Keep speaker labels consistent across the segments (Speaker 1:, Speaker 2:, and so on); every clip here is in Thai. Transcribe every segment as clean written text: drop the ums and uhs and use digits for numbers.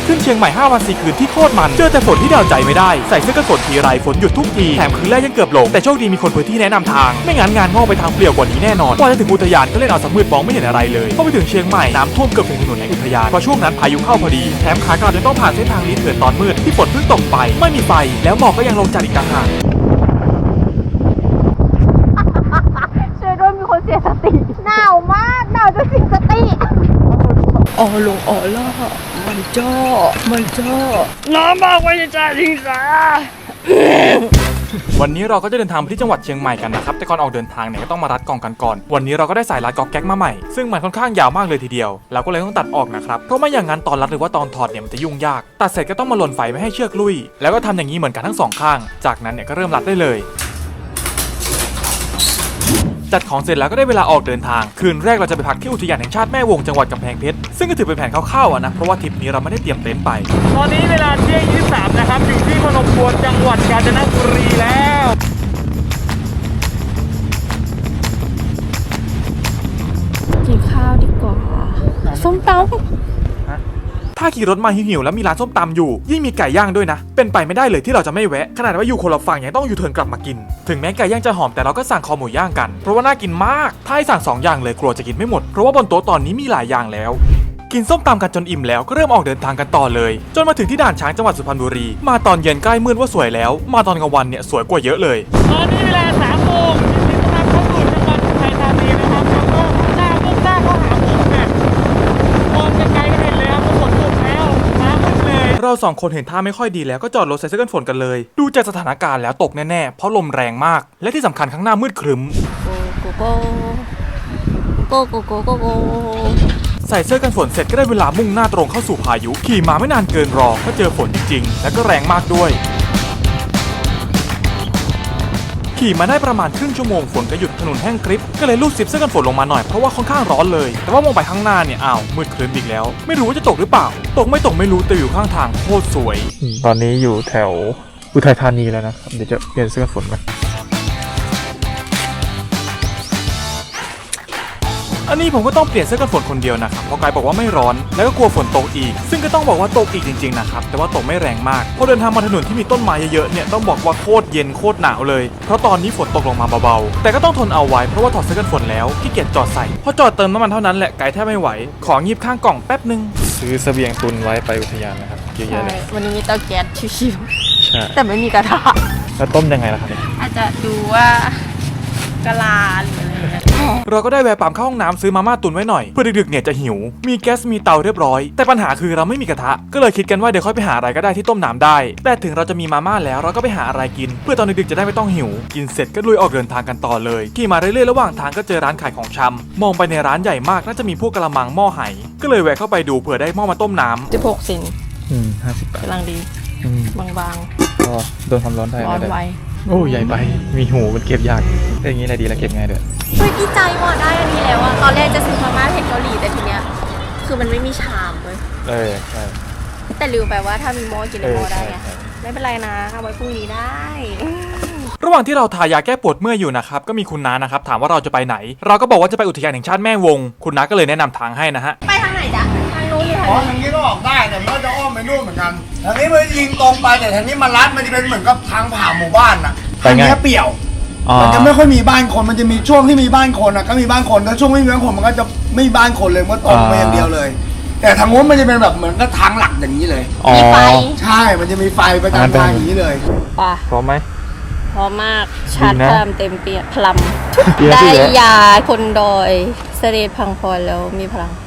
Speaker 1: ขึ้นเชียงใหม่5 วัน 4 คืนที่โคตรมันเจอแต่ฝนที่เดาใจไม่ได้ใส่เสื้อกันฝนทีไรฝนหยุดทุกทีแถมคืนแรกยังเกือบหลงแต่โชคดีมีคนพื้นที่แนะนำทางไม่งั้นงานงอกไปทางเปลี่ยวกว่านี้แน่นอนกว่าจะถึงอุทยานก็เล่นเอาสมืดมองไม่เห็นอะไรเลยพอไปถึงเชียงใหม่น้ำท่วมเกือบถึงถนนในอุทยานเพราะช่วงนั้นพายุเข้าพอดีแถมขากลับยังต้องผ่านเส้นทางลี้เถื่อนตอนมืดที่ฝนเพิ่งตกไปไม่มีไฟแล้วหมอกก็ยังลงจัดอีกต่างหาก
Speaker 2: ช่วยด้วยมีคนเสียสติหนาวมากหนาวจนเสียสติ
Speaker 3: อ๋อลงอ๋อล่ะมันจ้อน้ำมากไว้จะทิ้งซะ
Speaker 1: วันนี้เราก็จะเดินทางไปที่จังหวัดเชียงใหม่กันนะครับแต่ก่อนออกเดินทางเนี่ยก็ต้องมารัดกล่องกันก่อนวันนี้เราก็ได้สายรัดก๊อกแก๊กมาใหม่ซึ่งมันค่อนข้างยาวมากเลยทีเดียวเราก็เลยต้องตัดออกนะครับเพราะไม่อย่างนั้นตอนรัดหรือว่าตอนถอดเนี่ยมันจะยุ่งยากตัดเสร็จก็ต้องมาหล่นไฟไม่ให้เชือกลุยแล้วก็ทำอย่างนี้เหมือนกันทั้งสองข้างจากนั้นเนี่ยก็เริ่มรัดได้เลยจัดของเสร็จแล้วก็ได้เวลาออกเดินทางคืนแรกเราจะไปพักที่อุทยานแห่งชาติแม่วงจังหวัดกำแพงเพชรซึ่งก็ถือเป็นแผนคร่าวๆนะเพราะว่าทริปนี้เราไม่ได้เตรียมเต็นท์ไปตอนนี้เวลาเที่ยง23นะครับอยู่ที่พนมทวนจังหวัดกาญจนบุรีแล้ว
Speaker 3: กินข้าวดีกว่าส้มตำ
Speaker 1: ถ้าขี่รถมาหิวๆแล้วมีร้านส้มตำอยู่ยิ่งมีไก่ย่างด้วยนะเป็นไปไม่ได้เลยที่เราจะไม่แวะขนาดว่าอยู่คนละฝั่งยังต้องยูเทิร์นกลับมากินถึงแม้ไก่ย่างจะหอมแต่เราก็สั่งคอหมูย่างกันเพราะว่าน่ากินมากถ้าให้สั่ง2 อย่างเลยกลัวจะกินไม่หมดเพราะว่าบนโต๊ะตอนนี้มีหลายอย่างแล้วกินส้มตำกันจนอิ่มแล้วก็เริ่มออกเดินทางกันต่อเลยจนมาถึงที่ด่านช้างจังหวัดสุพรรณบุรีมาตอนเย็นใกล้มืดว่าสวยแล้วมาตอนกลางวันเนี่ยสวยกว่าเยอะเลยตอนนี้เวลา3 โมงที่กำลังเข้าสู่จังหวัดอุทัยธานีนะครับแล้วก็มุ่งหน้าเข้าหาผมเนี่ยมองไกลๆก็เห็นเลยครับว่าฝนตกแล้วน้ำมืดเลยเรา2 คนเห็นท่าไม่ค่อยดีแล้วก็จอดรถใส่เสื้อกันฝนกันเลยดูจากสถานการณ์แล้วตกแน่ๆเพราะลมแรงมากและที่สำคัญข้างหน้ามืดครึ้ม
Speaker 3: โก
Speaker 1: ใส่เสื้อกันฝนเสร็จก็ได้เวลามุ่งหน้าตรงเข้าสู่พายุขี่มาไม่นานเกินรอก็เจอฝนจริงๆและก็แรงมากด้วยขี่มาได้ประมาณครึ่งชั่วโมงฝนก็หยุดถนนแห้งกริบก็เลยลูดซิปเสื้อกันฝนลงมาหน่อยเพราะว่าค่อนข้างร้อนเลยแต่ว่ามองไปข้างหน้าเนี่ยอ้าวมืดครึ้มอีกแล้วไม่รู้ว่าจะตกหรือเปล่าตกไม่รู้แต่อยู่ข้างทางโคตรสวยตอนนี้อยู่แถวอุทัยธานีแล้วนะครับเดี๋ยวจะเปลี่ยนเสื้อกันฝนกันอันนี้ผมก็ต้องเปลี่ยนเสื้อกันฝนคนเดียวนะครับเพราะกายบอกว่าไม่ร้อนแล้วก็กลัวฝนตกอีกซึ่งก็ต้องบอกว่าตกอีกจริงๆนะครับแต่ว่าตกไม่แรงมากพอเดินทางมาถนนที่มีต้นไม้เยอะๆเนี่ยต้องบอกว่าโคตรเย็นโคตรหนาวเลยเพราะตอนนี้ฝนตกลงมาเบาๆแต่ก็ต้องทนเอาไว้เพราะว่าถอดเสื้อกันฝนแล้วขี้เกียจจอดใส่พอจอดเติมน้ำมันเท่านั้นแหละกายแทบไม่ไหวของีบข้างกล่องแป๊บนึงซื้อเสบียงตุนไว้ไปอุทยานนะครับเยอะแยะเลย
Speaker 3: วันนี้มีเตาแก๊สชิว
Speaker 1: ใช่
Speaker 3: ๆแต่ไม่มีกระทะ
Speaker 1: แล้วต้มยังไงล่ะครับ
Speaker 3: อาจจะดูว่ากะลาหรืออะไรอย่างเงี้ย
Speaker 1: เราก็ได้แวะปั๊มเข้าห้องน้ำซื้อมาม่าตุนไว้หน่อยเพื่อดึกๆเนี่ยจะหิวมีแก๊สมีเตาเรียบร้อยแต่ปัญหาคือเราไม่มีกระทะก็เลยคิดกันว่าเดี๋ยวค่อยไปหาอะไรก็ได้ที่ต้มน้ำได้แต่ถึงเราจะมีมาม่าแล้วเราก็ไปหาอะไรกินเพื่อตอนดึกๆจะได้ไม่ต้องหิวกินเสร็จก็ลุยออกเดินทางกันต่อเลยขี่มาเรื่อยๆระหว่างทางก็เจอร้านขายของชำมองไปในร้านใหญ่มากน่าจะมีพวกกระมังหม้อไหก็เลยแวะเข้าไปดูเผื่อได้หม้อมาต้มน้ำ
Speaker 3: 16 เซน
Speaker 1: 50 บาท
Speaker 3: กำลังดีบาง
Speaker 1: ๆก็โดนความร้อนได้
Speaker 3: ร้อนไว
Speaker 1: โอ้ใหญ่ไปมีหูมันเก็บยากอย่างนี้อะไรดีแล้วเก็บง่ายด้วย
Speaker 2: เฮ้ยดีใจว่ะได้อันนี้แล้วอะตอนแรกจะซื้อมาม่าเผ็ดเกาหลีแต่ทีเนี้ยคือมันไม่มีชามเลย
Speaker 1: ใช่
Speaker 2: แต่ลืมไปว่าถ้ามีหม้อกินในหม้อได้ไงไม่เป็นไรนะเอาไว้พรุ่งนี้ได้
Speaker 1: ระหว่างที่เราทายาแก้ปวดเมื่อยอยู่นะครับก็มีคุณน้านะครับถามว่าเราจะไปไหนเราก็บอกว่าจะไปอุทยานแห่งชาติแม่วงคุณน้าก็เลยแนะนำทางให้นะฮะ
Speaker 2: ไปทางไหนจ๊ะทางนู้นหรือทางนี้
Speaker 4: ทางนี้ก็ออกได้แต่มันก็จะอ้อมไปนู่นเหมือนกันทางนี้มันยิงตรงไปแต่ทางนี้มันลัดมันจะเป็นเหมือนกับทางผ่านหมู่บ้านน่ะทางนี้เปี่ยวมันจะไม่ค่อยมีบ้านคนมันจะมีช่วงที่มีบ้านคนอ่ะก็มีบ้านคนแล้วช่วงไม่มีบ้านคนมันก็จะไม่มีบ้านคนเลยมันก็ตรงไปอย่างเดียวเลย แต่ทางนู้นมันจะเป็นแบบเหมือนกับทางหลักอย่างนี้เลย
Speaker 2: มีไฟ
Speaker 4: ใช่มันจะมีไฟประจำทางอย่างนี้เลย
Speaker 3: ป่ะ
Speaker 1: พร้อมไหม
Speaker 3: พร้อมมากชาร์จพลังเต็มเปียพลังได้ยาคนดอยเสด็จพังพรแล้วมีพลัง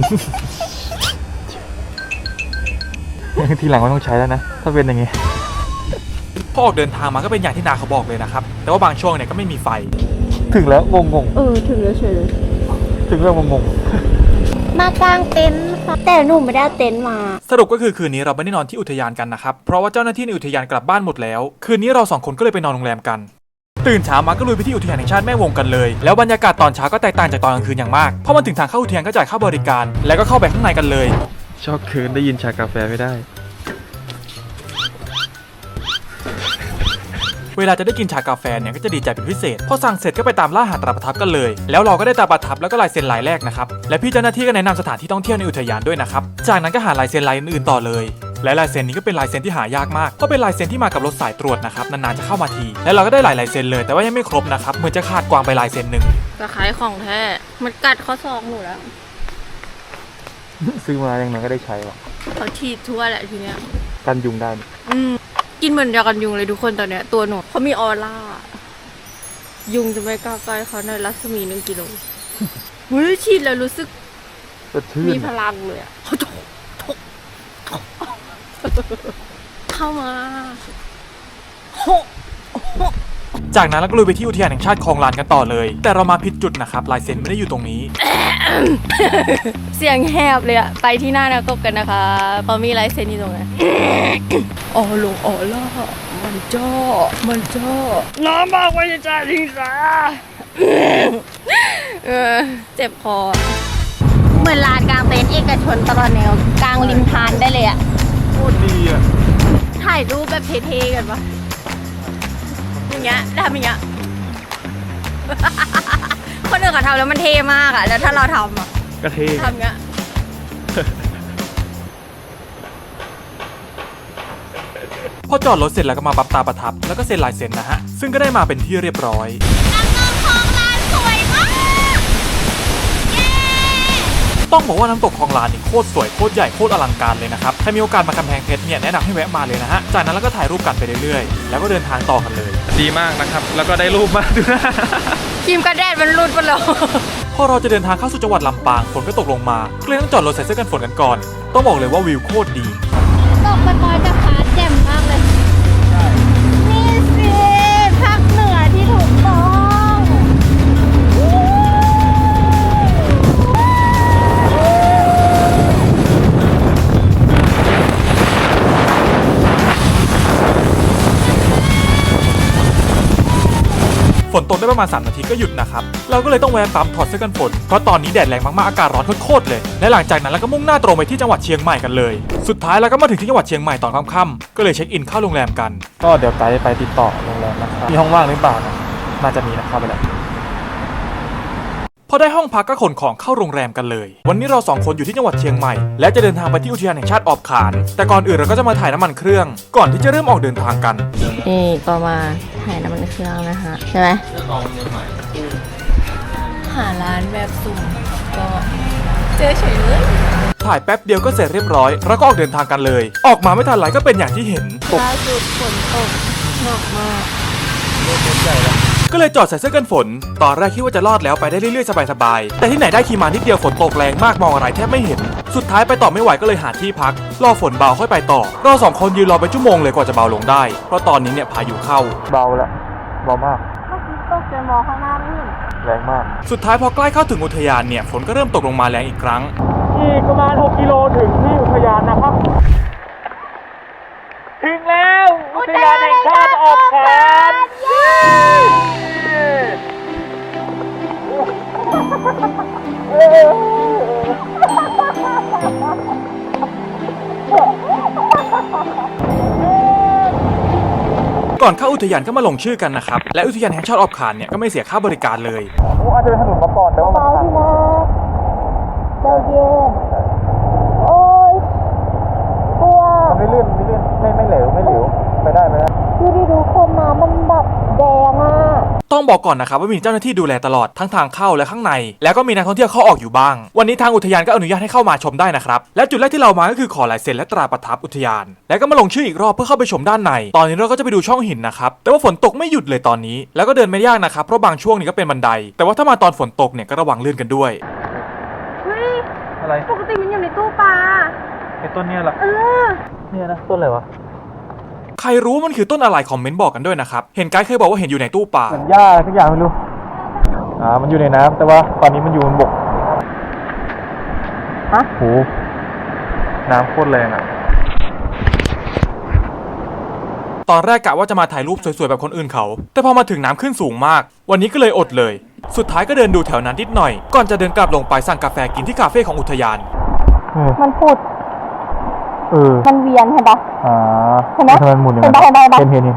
Speaker 1: ทีหลังไม่ต้องใช้แล้วนะถ้าเป็นอย่างงี้พอออกเดินทางมาก็เป็นอย่างที่นาเขาบอกเลยนะครับแต่ว่าบางช่วงเนี่ยก็ไม่มีไฟถึงแล้วงง
Speaker 3: ถึงแล้วเฉยเลย
Speaker 1: ถึงแล้วงง
Speaker 2: มากางเต็นท์ค่ะแต่หนูไม่ได้เต็นท์มา
Speaker 1: สรุปก็คือคืนนี้เราไม่ได้นอนที่อุทยานกันนะครับเพราะว่าเจ้าหน้าที่ในอุทยานกลับบ้านหมดแล้วคืนนี้เรา2 คนก็เลยไปนอนโรงแรมกันตื่นเช้ามาก็ลุยไปที่อุทยานแห่งชาติแม่วงกันเลยแล้วบรรยากาศตอนเช้าก็แตกต่างจากตอนกลางคืนอย่างมากเพราะมันถึงทางเข้าอุทยานก็จ่ายค่าบริการแล้วก็เข้าไปข้างในกันเลยชอบคืนได้ยินชากาแฟไม่ได้เวลาจะได้กินชากาแฟเนี่ยก็จะดีใจเป็นพิเศษพอสั่งเสร็จก็ไปตามล่าหาตราประทับกันเลยแล้วเราก็ได้ตราประทับแล้วก็ลายเซ็นลายแรกนะครับและพี่เจ้าหน้าที่ก็แนะนำสถานที่ท่องเที่ยวในอุทยานด้วยนะครับจากนั้นก็หาลายเซ็นลายอื่นๆต่อเลยและลายเซ็นนี้ก็เป็นลายเซ็นที่หายากมากเพราะเป็นลายเซ็นที่มากับรถสายตรวจนะครับนานๆจะเข้ามาทีและเราก็ได้หลายลายเซ็นเลยแต่ว่ายังไม่ครบนะครับเหมือนจะขาดกวางไปลายเซ็นหนึ่ง
Speaker 3: ตะไคร้ของแท้มันกัดข้อศอกหนูแล้ว
Speaker 1: ซื้อมาอย่างนั้นก็ได้ใช้หรอ
Speaker 3: เขาฉีดทั่วแหละทีเนี้ย
Speaker 1: กันยุงได้
Speaker 3: กินเหมือนยากันยุงเลยทุกคนตอนเนี้ยตัวหนูเขามีออร่ายุงจะไม่กล้าใกล้เขาในรัศมี1 กิโลหุ้ยฉีดแล้วรู้สึกมีพลังเลยอะเข้ามา
Speaker 1: จากนั้นเราก็ลุยไปที่อุทยานแห่งชาติคลองลานกันต่อเลยแต่เรามาผิดจุดนะครับลายเซ็นไม่ได้อยู่ตรงนี้
Speaker 3: เสียงแหบเลยอะไปที่หน้านักกบกันนะคะพอมีลายเซ็นอยู่ตรงนั้นอ๋อลงอ๋อล่ะมันจ้อน้ำมากไปจ้าทิ้งซะเจ็บคอเหมือนลานกลางเต็นท์เอกชนตลอดแนวกลางริมทานได้เลยอะ
Speaker 1: โคตรดีอ่ะ
Speaker 3: ถ่ายรูปแบบเท่ๆกันปะอย่างเงี้ยทำอย่างเงี้ย คนอื่นเขาทำแล้วมันเท่มากอะแล้วถ้าเราทำอะ
Speaker 1: ก็เท่
Speaker 3: ทำเงี้ย
Speaker 1: พอจอดรถเสร็จแล้วก็มาปั๊บตาประทับแล้วก็เซ็นลายเซ็นนะฮะซึ่งก็ได้มาเป็นที่เรียบร้อยต้องบอกว่าน้ำตกคลองลานนี่โคตรสวยโคตรใหญ่โคตรอลังการเลยนะครับถ้ามีโอกาสมากำแพงเพชรเนี่ยแนะนำให้แวะมาเลยนะฮะจากนั้นแล้วก็ถ่ายรูปกันไปเรื่อยๆแล้วก็เดินทางต่อกันเลยดีมากนะครับแล้วก็ได้รูปมากด้วย
Speaker 3: ครีมกันแดดมันรุดไปแล้ว
Speaker 1: พอเราจะเดินทางเข้าสู่จังหวัดลำปางฝนก็ตกลงมาก็เลยต้องจอดรถใส่เสื้อกันฝนกันก่อนต้องบอกเลยว่าวิวโคตรดี
Speaker 3: ตกปล่อยๆแต่ฟ้าแจ่มมากเลยนี่สิภาคเหนือที่ถูกต้อง
Speaker 1: ฝนตกได้ประมาณ3 นาทีก็หยุดนะครับเราก็เลยต้องแวะปั๊มถอดเสื้อกันฝนเพราะตอนนี้แดดแรงมากๆอากาศร้อนโคตรๆเลยและหลังจากนั้นเราก็มุ่งหน้าตรงไปที่จังหวัดเชียงใหม่กันเลยสุดท้ายเราก็มาถึงที่จังหวัดเชียงใหม่ตอนค่ำๆก็เลยเช็คอินเข้าโรงแรมกันก็เดี๋ยวไกด์ไปติดต่อโรงแรมนะครับมีห้องว่างหรือเปล่าน่าจะมีนะเข้าไปแล้วพอได้ห้องพักก็ขนของเข้าโรงแรมกันเลยวันนี้เรา2 คนอยู่ที่จังหวัดเชียงใหม่และจะเดินทางไปที่อุทยานแห่งชาติออบขานแต่ก่อนอื่นเราก็จะมาถ่ายน้ำมันเครื่องก่อนที่จะเริ่มออกเดินทางกัน
Speaker 3: นี่ก็มาถ่ายน้ำมันเครื่องนะคะใช่ไหมหาร้านแบบสุ่มก็เจอเฉยเลย
Speaker 1: ถ่ายแป๊บเดียวก็เสร็จเรียบร้อยแล้วก็ออกเดินทางกันเลยออกมาไม่ทันไรก็เป็นอย่างที่เห็น
Speaker 3: ล่าสุดฝนตกหนักมาก
Speaker 1: ก็เลยจอดใส่เสื้อกันฝนตอนแรกคิดว่าจะรอดแล้วไปได้เรื่อยๆสบายๆแต่ที่ไหนได้ขี่มานิดเดียวฝนตกแรงมากมองอะไรแทบไม่เห็นสุดท้ายไปต่อไม่ไหวก็เลยหาที่พักรอฝนเบาค่อยไปต่อเรา2 คนยืนรอไปชั่วโมงเลยกว่าจะเบาลงได้เพราะตอนนี้เนี่ยพายุเข้าเบาแล้วเบามาก
Speaker 3: เมื่อกี้ตกจนมองข้างหน้าไม่เห็น
Speaker 1: แรงมากสุดท้ายพอใกล้เข้าถึงอุทยานเนี่ยฝนก็เริ่มตกลงมาแรงอีกครั้งอีกประมาณ6 กิโลถึงที่อุทยานนะครับถึงแล้วอุทยานแห่งชาติออบขานก่อนเข้าอุทยานก็มาลงชื่อกันนะครับและอุทยานแห่งชาติออบขานเนี่ยก็ไม่เสียค่าบริการเลยโอ้อาจจะเดินถนนมาก่อนแต่ว่ามันทาง
Speaker 3: เจ้าเย็นโอ้ยกลัว
Speaker 1: มันไม่ลื่นไม่เหลวไปได้
Speaker 3: ดูคนน้ำมันแบบแดงอ่ะ
Speaker 1: ต้องบอกก่อนนะครับว่ามีเจ้าหน้าที่ดูแลตลอดทั้งทางเข้าและข้างในแล้วก็มีนักท่องเที่ยวเข้าออกอยู่บ้างวันนี้ทางอุทยานก็อนุญาตให้เข้ามาชมได้นะครับและจุดแรกที่เรามาก็คือขอลายเซ็นและตราประทับอุทยานแล้วก็มาลงชื่ออีกรอบเพื่อเข้าไปชมด้านในตอนนี้เราก็จะไปดูช่องหินนะครับแต่ว่าฝนตกไม่หยุดเลยตอนนี้แล้วก็เดินไม่ยากนะครับเพราะบางช่วงนี้ก็เป็นบันไดแต่ว่าถ้ามาตอนฝนตกเนี่ยก็ระวังลื่นกันด้วย
Speaker 3: เฮ้ย
Speaker 1: อะไร
Speaker 3: ปกติมันอยู่ในตู้ปลา
Speaker 1: ไอ้ต้นเนี้ยเหรอเนี่ยนะต้นอะไรวะใครรู้มันคือต้นอะไรคอมเมนต์บอกกันด้วยนะครับเห็นไกด์เคยบอกว่าเห็นอยู่ในตู้ปลาเหมือนหญ้าทุกอย่างไม่รู้มันอยู่ในน้ำแต่ว่าตอนนี้มันอยู่บนบกฮะโหน้ำโคตรแรงอ่ะตอนแรกกะว่าจะมาถ่ายรูปสวยๆแบบคนอื่นเขาแต่พอมาถึงน้ำขึ้นสูงมากวันนี้ก็เลยอดเลยสุดท้ายก็เดินดูแถวนั้นนิดหน่อยก่อนจะเดินกลับลงไปสั่งกาแฟกินที่คาเฟ่ของอุทยาน
Speaker 3: มันพูดมันเวียนเห็นปะเห็นไหม
Speaker 1: มันหมุนอย่างนั้นเห็น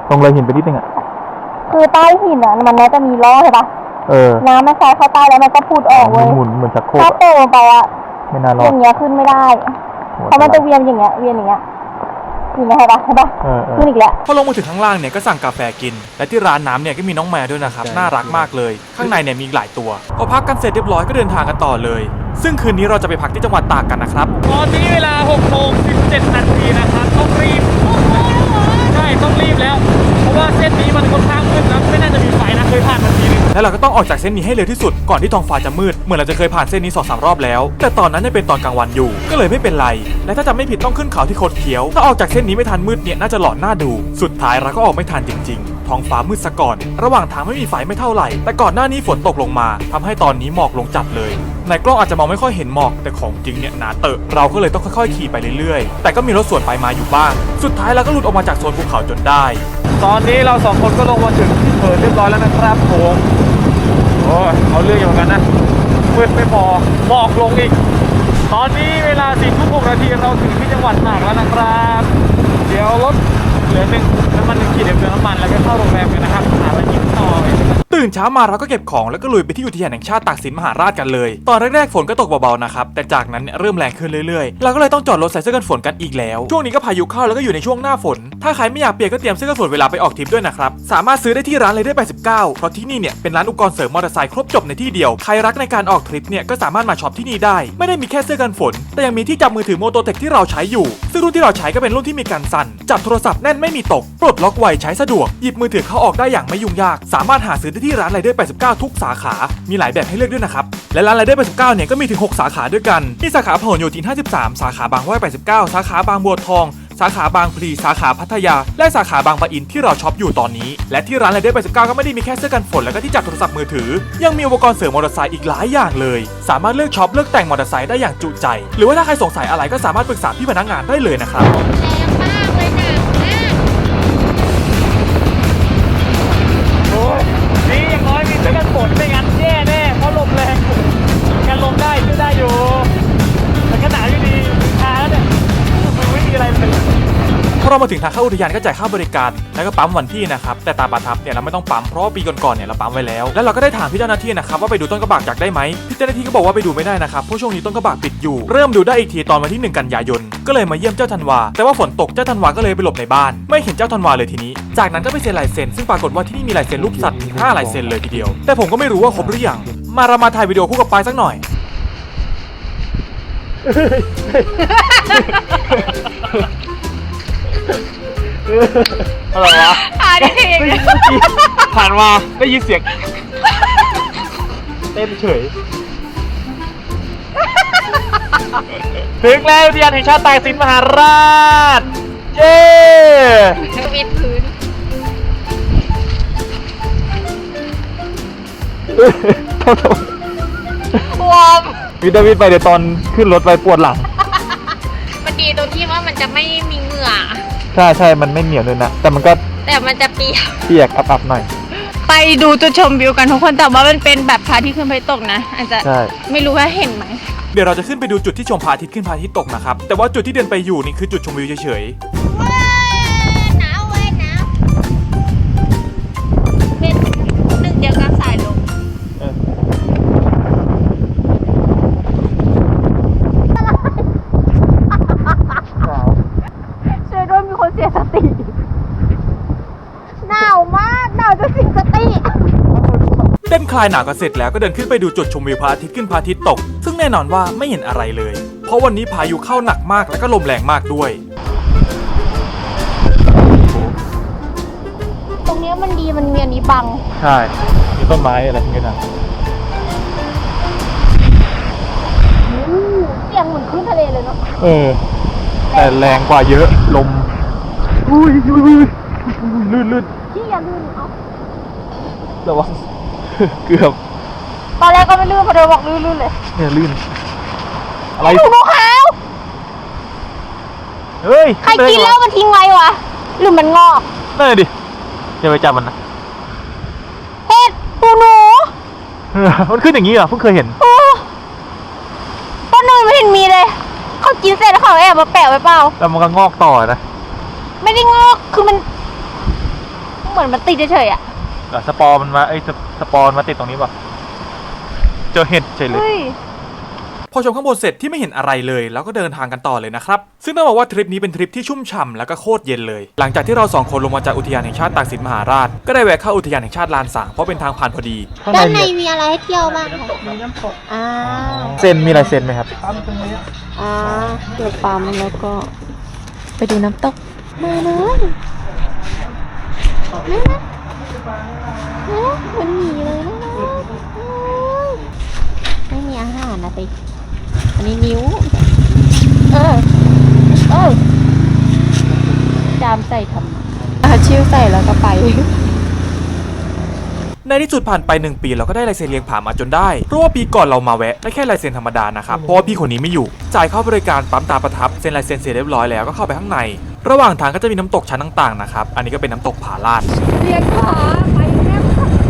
Speaker 1: ตรงเลยหินไปนิดนึงอ่ะ
Speaker 3: คือใต้หินอ่ะมันน่าจะมีล้อใช่ปะน้ำมันใส่เข้าใต้แล้วมันก็พูดออกเว้ย
Speaker 1: หมุนเหมือนชักโครก
Speaker 3: ถ้าโตลงไปอ่ะ
Speaker 1: ไม่น่ารอ
Speaker 3: อ
Speaker 1: ด
Speaker 3: ย่างเงี้ยขึ้นไม่ได้เพราะมันจะเวียนอย่างเงี้ยเวียนอย่างเงี้ยขึ้นไม่ได้ปะใช่ปะขึ้นอีกแล้ว
Speaker 1: พอลงมาถึงข้างล่างเนี่ยก็สั่งกาแฟกิน และที่ร้านน้ำเนี่ยก็มีน้องแมวด้วยนะครับน่ารักมากเลยข้างในเนี่ยมีหลายตัวพอพักกันเสร็จเรียบร้อยก็เดินทางกันต่อเลย ซึ่งคืนนี้เราจะไปพักที่จังหวัดตากกันนะครับตอนนี้เวลา6 โมง 17 นาทีนะครับต้องรีบใช่ต้องรีบแล้วเพราะว่าเส้นนี้มันค่อนข้างมืดนะไม่น่าจะมีไฟนะเคยผ่านมาทีนึงแล้วเราก็ต้องออกจากเส้นนี้ให้เร็วที่สุดก่อนที่ท้องฟ้าจะมืดเหมือนเราจะเคยผ่านเส้นนี้ 2-3 รอบแล้วแต่ตอนนั้นยังเป็นตอนกลางวันอยู่ก็เลยไม่เป็นไรและถ้าจำไม่ผิดต้องขึ้นเขาที่โคตรเขียวถ้าออกจากเส้นนี้ไม่ทันมืดเนี่ยน่าจะหลอนหน้าดูสุดท้ายเราก็ออกไม่ทันจริงๆท้องฟ้ามืดซะก่อนระหว่างทางไม่มีไฟไม่เท่าไหร่แต่ก่อนหน้านี้ฝนตกลงมาทำให้ตอนนี้หมอกลงจัดเลยในกล้องอาจจะมองไม่ค่อยเห็นหมอกแต่ของจริงเนี่ยหนาเตอะเราก็เลยต้องค่อยๆขี่ไปเรื่อยๆแต่ก็มีรถสวนไปมาอยู่บ้างสุดท้ายเราก็หลุดออกมาจากโซนภูเขาจนได้ตอนนี้เรา2 คนก็ลงมาถึงที่เพิร์เรียบร้อยแล้วนะครับผมโอ้ยเอาเรื่องอยู่เหมือนกันนะมืดไม่พอหมอกลงอีกตอนนี้เวลา 4:06 นาทีเราถึงที่จังหวัดตากแล้วนะครับเดี๋ยวรถเหลือน้ำมัน1 ขีดเติมน้ำมันแล้วก็เข้าโรงแรมกันนะครับหาอะไรกินต่อตื่นเช้ามาเราก็เก็บของแล้วก็ลุยไปที่อุทยานแห่งชาติตากสินมหาราชกันเลยตอนแรกๆฝนก็ตกเบาๆนะครับแต่จากนั้นเนี่ยเริ่มแรงขึ้นเรื่อยๆเราก็เลยต้องจอดรถใส่เสื้อกันฝนกันอีกแล้วช่วงนี้ก็พายุเข้าแล้วก็อยู่ในช่วงหน้าฝนถ้าใครไม่อยากเปียกก็เตรียมเสื้อกันฝนเวลาไปออกทริปด้วยนะครับสามารถซื้อได้ที่ร้านเลยได้89เพราะที่นี่เนี่ยเป็นร้านอุปกรณ์เสริมมอเตอร์ไซค์ครบจบในที่เดียวใครรักในการออกทริปเนี่ยก็สามารถมาช็อปที่นี่ได้ไม่ได้มีแค่เสื้อกันฝนแต่ยังมีที่จับมือถือโมโตเทคที่เราใช้อยู่ซึ่งรุ่นที่เราใช้ก็เป็นรุ่นที่มีการสั่นจับโทรศัพท์แน่นไม่มีตกปลดล็อกไวใช้สะดวกหยิบมือถือเข้าออกได้อย่างไม่ยุ่งยากสามารถหาซื้อได้ที่ร้านไรเดอร์89ทุกสาขามีหลายแบบให้เลือกด้วยนะครับและร้านไรเดอร์89เนี่ยก็มีถึง6 สาขาด้วยกันมีสาขาพหลโยธิน53สาขาบางห้วย89สาขาบางบัวทองสาขาบางพลีสาขาพัทยาและสาขาบางปะอินที่เราช็อปอยู่ตอนนี้และที่ร้านไรเดอร์89ก็ไม่ได้มีแค่เสื้อกันฝนแล้วก็ที่จับโทรศัพท์มือถือยังมีอุปกรณ์เสริมมอเตอร์ไซค์อีกหลายอย่างเลยสามารถเลือกช็อปเลือกแต่งมอเตอร์ไซค์ได้อย่างจุใจหรือว่าถ้าใครสงสัยอะไรก็สามารถปรึกษาพี่พนักงานได้เลยนะครับโอ้ยนี่อย่างน้อยมีเสื้อกันฝนไม่งั้นแย่แน่เพราะลมแรงกันลมได้ช่วยได้อยู่แต่ก็หนาวอยู่ดีชาแล้วเนี่ยมันไม่มีอะไรเลยพอเรามาถึงทางเข้าอุทยานก็จ่ายค่าบริการแล้วก็ปั๊มวันที่นะครับแต่ตาประทับเนี่ยเราไม่ต้องปั๊มเพราะว่าปีก่อนๆเนี่ยเราปั๊มไว้แล้วแล้วเราก็ได้ถามพี่เจ้าหน้าที่นะครับว่าไปดูต้นกระบากอยากได้ไหมพี่เจ้าหน้าที่ก็บอกว่าไปดูไม่ได้นะครับเพราะช่วงนี้ต้นกระบากปิดอยู่เริ่มดูได้อีกทีตอนวันที่ 1 กันยายนก็เลยมาเยี่ยมเจ้าธันวาแต่ว่าฝนตกเจ้าธันวาก็เลยไปหลบในบ้านไม่เห็นเจ้าธันวาเลยทีนี้จากนั้นก็ไปเซ็นลายเซ็นซึ่งปรากฏว่าที่นี่มีลายเซ็นรูปสัตว์ถึง5 ลายเซ็นเลยทีเดียวแต่ผมก็ไม่รู้ว่าครบหรือยังมาเรามาถ่ายวิดีโอคู่กับปายสักหน่อยอะไรวะผ่านมาได้ยินเสียงเต้นเฉยถึงแล้วอุทยานแห่งชาติตากสินมหาราชเย้
Speaker 2: วิดพื้นวอม
Speaker 1: วิดาวิดไปเดี๋ยวตอนขึ้นรถไปปวดหลัง
Speaker 2: มันดีตรงที่ว่ามันจะไม่มีเหงื่อ
Speaker 1: ใช่มันไม่เหนียวเลยนะแต่มัน
Speaker 2: จะเ
Speaker 1: ปียกอับๆหน่อย
Speaker 3: ไปดูจุดชมวิวกันทุกคนแต่ว่ามันเป็นแบบพระอาทิตย์ขึ้นพระอาทิตย์ตกนะอาจจะไม่รู้ว่าเห็นไหม
Speaker 1: เดี๋ยวเราจะขึ้นไปดูจุดที่ชมพระอาทิตย์ขึ้นพระอาทิตย์ตกนะครับแต่ว่าจุดที่เดินไปอยู่นี่คือจุดชมวิวเฉย
Speaker 2: ๆหนาวเว้ยหนาวเป็นหนึ่งเดียวกับสายลม
Speaker 3: ช่วยด้วยมีคนเสียสติ
Speaker 2: หนาวมากหนาวจนเสียสติ
Speaker 1: เต้นคลายหนาวกันเสร็จแล้วก็เดินขึ้นไปดูจุดชมวิวพระอาทิตย์ขึ้นพระอาทิตย์ตกซึ่งแน่นอนว่าไม่เห็นอะไรเลยเพราะวันนี้พายุเข้าหนักมากและก็ลมแรงมากด้วย
Speaker 3: ตรงนี้มันดีมันมีอันนี้บัง
Speaker 1: ใช่มีต้นไม้อะไรทั้งนั้น
Speaker 3: เสียงเหมือนคลื่นทะเลเลยเนาะ
Speaker 1: แต่แรงกว่าเยอะลมอุ้ยลื่น
Speaker 3: ที่อย่าลื่นเอา
Speaker 1: ระวังเกือบ
Speaker 3: ตอนแรกก็ไม่ลื่นพอเดินบอกลื่นเลย
Speaker 1: เนี่ยลื่นอะไร
Speaker 3: หนูขาว
Speaker 1: เฮ้ย
Speaker 3: ใครกินแล้วมันทิ้งไว้วะหรือมันงอก
Speaker 1: นั่นดิอย่าไปจับมันนะ
Speaker 3: เห็ดปูหนู
Speaker 1: มันขึ้นอย่างนี้เหรอเพิ่งเคยเห็น
Speaker 3: ต้นนึงไม่เห็นมีเลยเขากินเสร็จแล้วเขาแอบมาแปะไว้เปล่า
Speaker 1: แล้วมันก็งอกต่อนะ
Speaker 3: ไม่ได้งอกคือมัน
Speaker 1: มันขึ้นอย่างนี้เหรอเพิ่งเคยเห็น
Speaker 3: ไม่ได้งอกคือมัน
Speaker 1: แล้วมันก็งอกต่อนะ
Speaker 3: ไม่ได้งอกคือมัน
Speaker 1: แล้วมันก็งอกต่อนะ
Speaker 3: ไม่ได้งอกคือมันเหมือนมันติดเฉยๆอ่ะ
Speaker 1: สปอร์มันมาสปอร์มาติดตรงนี้ป่ะเจอเห็ดเฉยเลย
Speaker 3: เฮ้ย
Speaker 1: พอชมข้างบนเสร็จที่ไม่เห็นอะไรเลยแล้วก็เดินทางกันต่อเลยนะครับซึ่งต้องบอกว่าทริปนี้เป็นทริปที่ชุ่มฉ่ำแล้วก็โคตรเย็นเลยหลังจากที่เรา2คนลงมาจากอุทยานแห่งชาติตากสินมหาราชก็ได้แวะเข้าอุทยานแห่งชาติลานสางเพราะเป็นทางผ่านพอดี
Speaker 2: ด้านในมีอะไรให้เที่ยวบ้างคะมีน้ำตก
Speaker 1: เซนมีลายเซ็นไหมครับ
Speaker 3: เดี๋ยวปั๊มแล้วก็ไปดูน้ำตก
Speaker 2: มาเลยมันหนีเลยนะไม่มีอาหารนะสิอันนี้นิ้วจามใส่ทำ
Speaker 3: ชิวใส่แล้วก็ไป
Speaker 1: ในที่สุดผ่านไป1 ปีเราก็ได้ลายเซ็นเลี้ยงผามาจนได้เพราะว่าปีก่อนเรามาแวะได้แค่ลายเซ็นธรรมดานะครับเพราะว่าพี่คนนี้ไม่อยู่จ่ายเข้าบริการปั๊มตาประทับเซ็นลายเซ็นเสร็จเรียบร้อยแล้วก็เข้าไปข้างในระหว่างทางก็จะมีน้ำตกชั้นต่างๆนะครับอันนี้ก็เป็นน้ำตกผาลาด
Speaker 3: เรียนผาไปแม่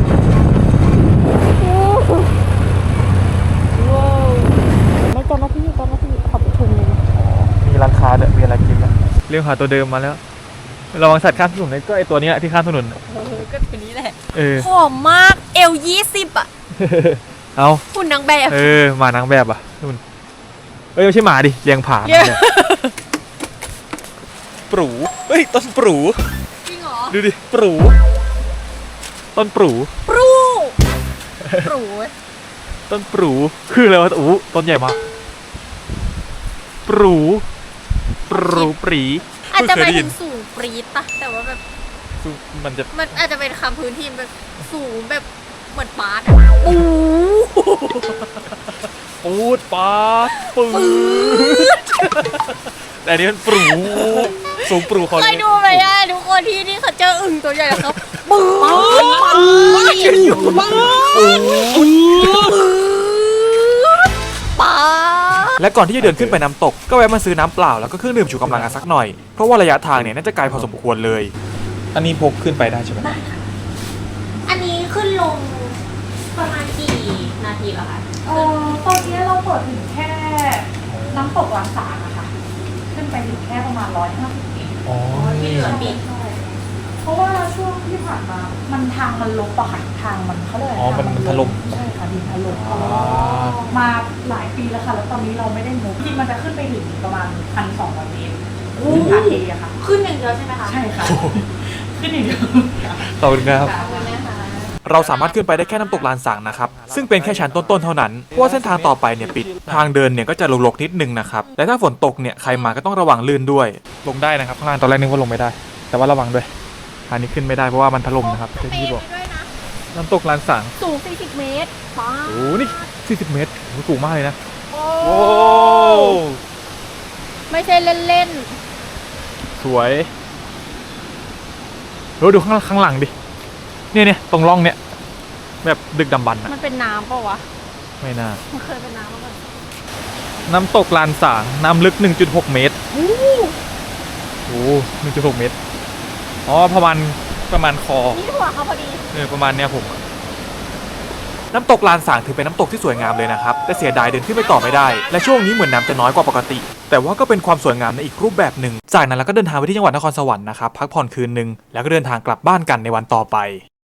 Speaker 3: ว้าวไม่เจ้าหน้าที่ขอบคุณเลย
Speaker 1: มีร้านค้าเนี่ยมีอะไรกินนะเรื่องหาตัวเดิมมาแล้วระวังสัตว์ข้ามถนนก็ไอตัวนี้ที่ข้ามถนน
Speaker 3: ก็ตัวนี้แหละ
Speaker 2: ผอมมากเอว20อ่ะ
Speaker 1: เอา
Speaker 2: หุ่นนางแบบ
Speaker 1: หมานางแบบอ่ะนู่นไม่ใช่หมาดิเลี้ยงผาปรูต้นปรู
Speaker 2: จริงเหรอ
Speaker 1: ดูดิปรูต้นปรู
Speaker 2: ปรู
Speaker 1: ต้นปรูคืออะไรวะต้นใหญ่มากปรูปรี
Speaker 2: อาจจะไปถึงสูงปรี๊ดปะแต่ว่าแบบ
Speaker 1: มัน
Speaker 2: อาจจะเป็นคำพื้นที่แบบสูงแบบเหมือนปาร์ต
Speaker 1: ปูดปาปืดแต่อันนี้มันปรูสูงปรูเขา
Speaker 2: เคยดูไหมอ่ะทุกคนที่เขาเจออึ่งตัวใหญ่แล้วเขาปื๊ดปา
Speaker 1: และก่อนที่จะเดินขึ้นไปน้ำตกก็แวะมาซื้อน้ำเปล่าแล้วก็เครื่องดื่มชูกำลังกันสักหน่อยเพราะว่าระยะทางเนี่ยน่าจะไกลพอสมควรเลยอันนี้พกขึ้นไปได้ใช่ไหม
Speaker 2: อันนี้ขึ้นลงประมาณกี่นาทีแล้วคะ
Speaker 5: ตอนนี้เราเปิดถึงแค่น้ำตกหลังสารนะคะ ขึ้นไปถึงแค่ประมาณ150 เมตร
Speaker 1: อ๋อ
Speaker 2: ที่เหลือปิด
Speaker 5: เพราะว่าช่วงที่ผ่านมา มันทางมันลบอะค่ะทางมันเขาเลย
Speaker 1: มันถล่ม
Speaker 5: ใช่ค่ะดินถล่มมาหลายปีแล้วค่ะ แล้วตอนนี้เราไม่ได้มุกจริงมันจะขึ้นไปถึงประมาณ1,200 เมตรขึ้นขาเทอะค่ะ
Speaker 2: ขึ้นอย่างเดียวใช่ไหมคะ
Speaker 5: ใช่ค่ะ ขึ้นอีกเดียว
Speaker 1: ขอบคุณครับ
Speaker 2: ขอบคุณนะคะ
Speaker 1: เราสามารถขึ้นไปได้แค่น้ำตกลานสางนะครับซึ่งเป็นแค่ชั้นต้นๆเท่านั้นเพราะว่าเส้นทางต่อไปเนี่ยปิดทางเดินเนี่ยก็จะรกๆนิดนึงนะครับและถ้าฝนตกเนี่ยใครมาก็ต้องระวังลื่นด้วยลงได้นะครับข้างล่างตอนแรกนึกว่าลงไม่ได้ แต่ว่าระวังด้วยทางนี้ขึ้นไม่ได้เพราะว่ามันถล่มนะครับที่บอกน้ำตกลานสาง
Speaker 2: สูง40 เมตรป้า
Speaker 1: โอ้นี่40 เมตรสูงมากเลยนะโอ้
Speaker 2: ไม่ใช่เล่น
Speaker 1: สวยดูข้างหลังดิเนี่ยตรงร่องเนี่ยแบบดึกดำบรรพ์
Speaker 2: ๆ
Speaker 1: อะ
Speaker 2: มันเป็นน้ำเปล่าวะ
Speaker 1: ไม่น่า
Speaker 2: มันเคยเป็นน้ำมาก่อน
Speaker 1: น้ำตกลานสางน้ำลึก 1.6 เมตรโอ้ 1.6 เมตรอ๋อประมาณคอ
Speaker 2: นี่หัวเขาพอดี
Speaker 1: ประมาณเนี้ยผมน้ำตกลานสางถือเป็นน้ำตกที่สวยงามเลยนะครับแต่เสียดายเดินขึ้นไปต่อไม่ได้และช่วงนี้เหมือนน้ำจะน้อยกว่าปกติแต่ว่าก็เป็นความสวยงามในอีกรูปแบบหนึ่งจากนั้นเราก็เดินทางไปที่จังหวัดนครสวรรค์นะครับพักผ่อนคืนนึงแล้วก็เดินทางกลับบ้านกันในวันต่อไป